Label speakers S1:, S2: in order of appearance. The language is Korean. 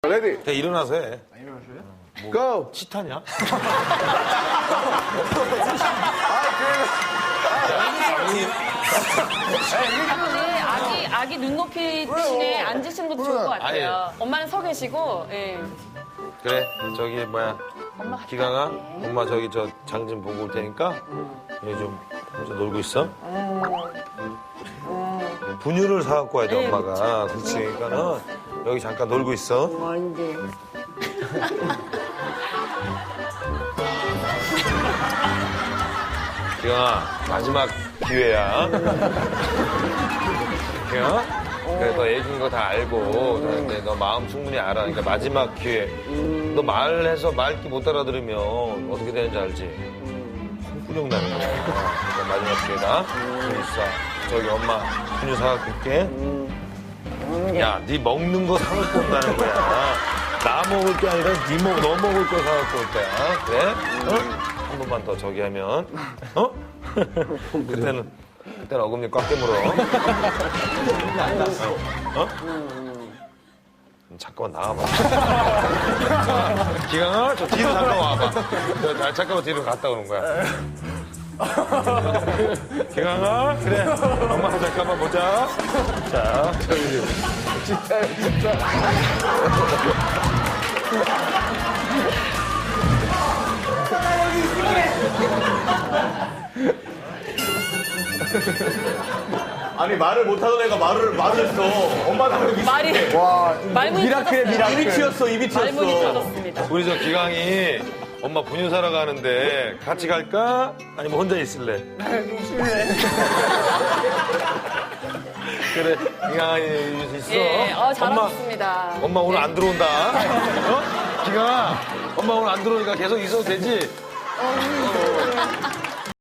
S1: 레디.
S2: 야, 일어나서 해.
S1: 고!
S2: 치타냐?
S3: 아기 눈높이 대신에 앉으시는 것도 좋을 것 같아요. 엄마는 서 계시고, 예.
S2: 그래, 저기, 뭐야. 기강아, 엄마 저기 저 장 좀 보고 올 테니까, 여기 좀 혼자 놀고 있어. 분유를 사갖고 와야 돼, 엄마가. 그렇지. 그러니까는, 여기 잠깐 놀고 있어.
S4: 뭔데?
S2: 기강아, 마지막 기회야. 기강아? 그래, 너 애기인 거 다 알고, 근데 너 마음 충분히 알아. 그러니까 마지막 기회. 너 말해서 말기 못 알아들으면 어떻게 되는지 알지? 홍구령 나는 거야. 그러니까 마지막 기회다. 여기 있어. 저기 엄마 분유 사갖고 올게. 야, 네 먹는 거 사갖고 온다는 거야. 나 먹을 게 아니라 너 먹을 거 사갖고 올 거야. 그래? 어? 한 번만 더 저기 하면. 어? 그때는 어금니 꽉 깨물어. 어? 잠깐만 나와봐. 기강아, 저 뒤로 잠깐 와봐. 잠깐만 뒤로 갔다 오는 거야. 기강아, 그래. 엄마 잠깐만 보자. 자, 저기.
S1: 진짜.
S5: 아니 말을 못하던 애가 말을 했어. 엄마 나를
S3: 말이,
S1: 와,
S3: 말문이
S1: 미라클의
S3: 터졌어요.
S5: 입이 튀었어. 입이
S3: 말문이
S5: 튀었어.
S3: 터졌습니다.
S2: 우리 저 기강이 엄마 분유 사러 가는데 같이 갈까? 아니면 혼자 있을래? 그래, 기강아 있어.
S3: 예, 잘하셨습니다.
S2: 엄마 오늘 안 들어온다. 어? 기강아, 엄마 오늘 안 들어오니까 계속 있어도 되지?